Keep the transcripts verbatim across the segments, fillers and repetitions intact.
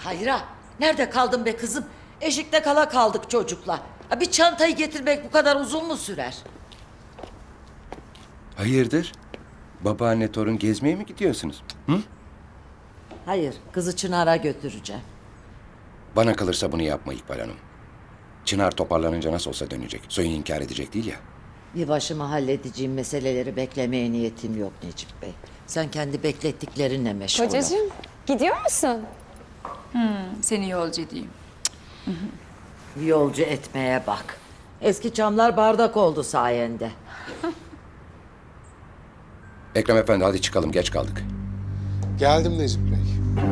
Hayra, nerede kaldın be kızım? Eşikte kala kaldık çocukla. Ha, bir çantayı getirmek bu kadar uzun mu sürer? Hayırdır? Babaanne torun gezmeye mi gidiyorsunuz? Hı? Hayır, kızı Çınar'a götüreceğim. Bana kalırsa bunu yapma İkbal Hanım. Çınar toparlanınca nasıl olsa dönecek. Soyun inkar edecek değil ya. Bir başıma halledeceğim meseleleri beklemeye niyetim yok Necip Bey. Sen kendi beklettiklerinle meşgul ol. Kocacığım gidiyor musun? Seni yolcu edeyim. Yolcu etmeye bak. Eski çamlar bardak oldu sayende. Ekrem Efendi hadi çıkalım, geç kaldık. Geldim Necip Bey.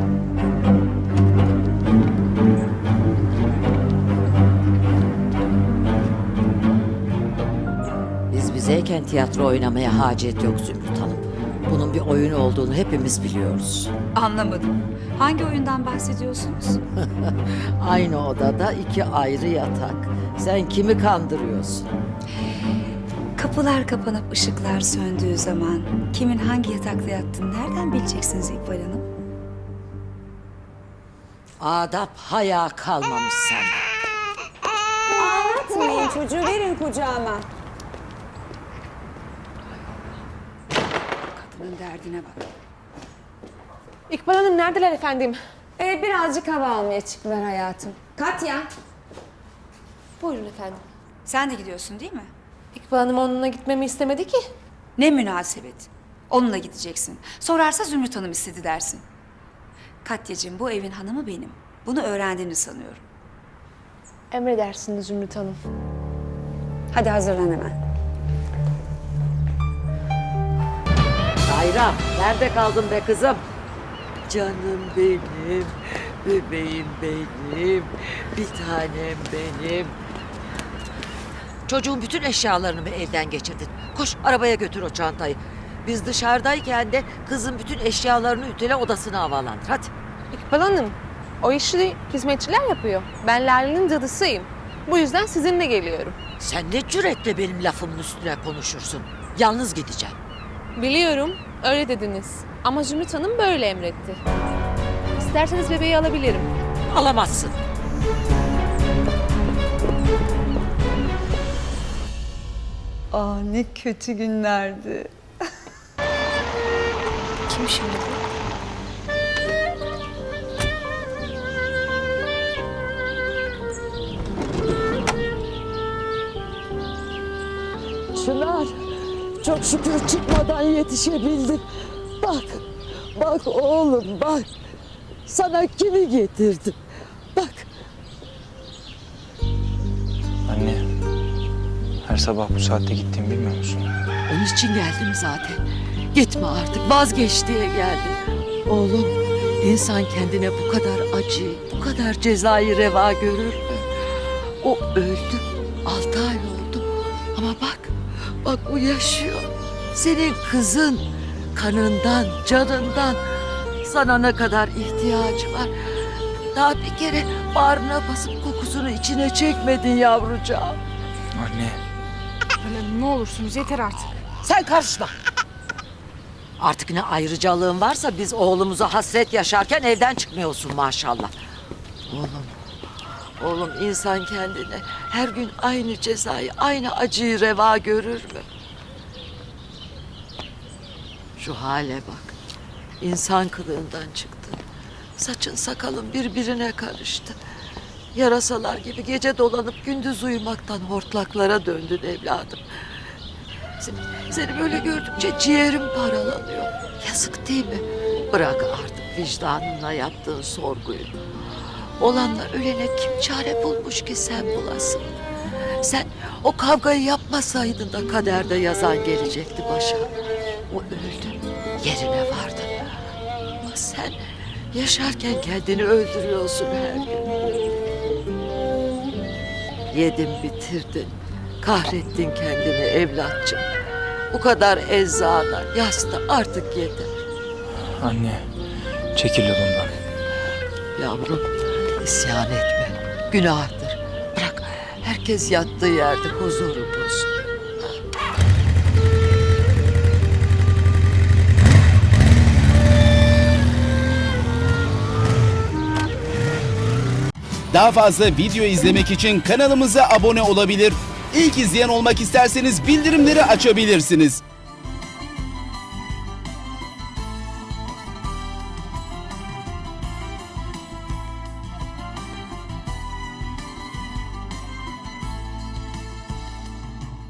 Biz bizeyken tiyatro oynamaya hacet yok Zümrüt Hanım. Bunun bir oyun olduğunu hepimiz biliyoruz. Anlamadım. Hangi oyundan bahsediyorsunuz? Aynı odada iki ayrı yatak. Sen kimi kandırıyorsun? Kapılar kapanıp ışıklar söndüğü zaman kimin hangi yatakta yattığını nereden bileceksiniz İkbal Hanım? Adap haya kalmamış sende. Atmayın çocuğu, verin kucağıma. Kadının derdine bak. İkbal Hanım neredeler efendim? Ee, birazcık hava almaya çıktılar hayatım. Katya. Buyurun efendim. Sen de gidiyorsun değil mi? İkbal Hanım onunla gitmemi istemedi ki. Ne münasebet. Onunla gideceksin. Sorarsa Zümrüt Hanım istedi dersin. Katyacığım, bu evin hanımı benim. Bunu öğrendiğini sanıyorum. Emredersiniz Zümrüt Hanım. Hadi hazırlan hemen. Hayra, nerede kaldın be kızım? Canım benim, bebeğim benim, bir tanem benim. Çocuğun bütün eşyalarını mı evden geçirdin? Koş arabaya götür o çantayı. Biz dışarıdayken de kızın bütün eşyalarını ütüle, odasına havalandır. Hadi. İkbal Hanım, o işi hizmetçiler yapıyor. Ben Lale'nin cadısıyım. Bu yüzden sizinle geliyorum. Sen ne cüretle benim lafımın üstüne konuşursun? Yalnız gideceğim. Biliyorum, öyle dediniz. Ama Zümrüt Hanım böyle emretti. İsterseniz bebeği alabilirim. Alamazsın. Aa, ne kötü günlerdi. Kim şimdi bu? Çınar, çok şükür çıkmadan yetişebildim. Bak, bak oğlum bak. Sana kimi getirdim. Bak, Anne, her sabah bu saatte gittiğimi bilmiyor musun? onun için geldim zaten. Gitme artık, vazgeç diye geldim. Oğlum, insan kendine bu kadar acı, bu kadar cezayı reva görür mü? O öldü, altı ay oldu. Ama bak, bak o yaşıyor. Senin kızın, kanından, canından. Sana ne kadar ihtiyacı var. Daha bir kere bağrına basıp kokusunu içine çekmedin yavrucağım. Anne, Ne olursunuz yeter artık. Sen karışma. Artık ne ayrıcalığın varsa biz oğlumuza hasret yaşarken evden çıkmıyorsun maşallah. Oğlum, oğlum insan kendine her gün aynı cezayı, aynı acıyı reva görür mü? Şu hale bak. İnsan kılığından çıktın. Saçın sakalın birbirine karıştı. Yarasalar gibi gece dolanıp gündüz uyumaktan hortlaklara döndün evladım. Seni, seni böyle gördükçe ciğerim paralanıyor. Yazık değil mi? Bırak artık vicdanınla yaptığın sorguyu. Olanla ölene kim çare bulmuş ki sen bulasın? Sen o kavgayı yapmasaydın da kaderde yazan gelecekti başa. O öldü, yerine vardı. Ama sen yaşarken kendini öldürüyorsun her gün. Yedin bitirdin, kahrettin kendini evlatçım. Bu kadar eczana, yasta artık yeter. anne, çekil yolumdan. Yavrum, isyan etme, günahtır. Bırak, herkes yattığı yerde huzuru bulsun. Daha fazla video izlemek için kanalımıza abone olabilir. İlk izleyen olmak isterseniz bildirimleri açabilirsiniz.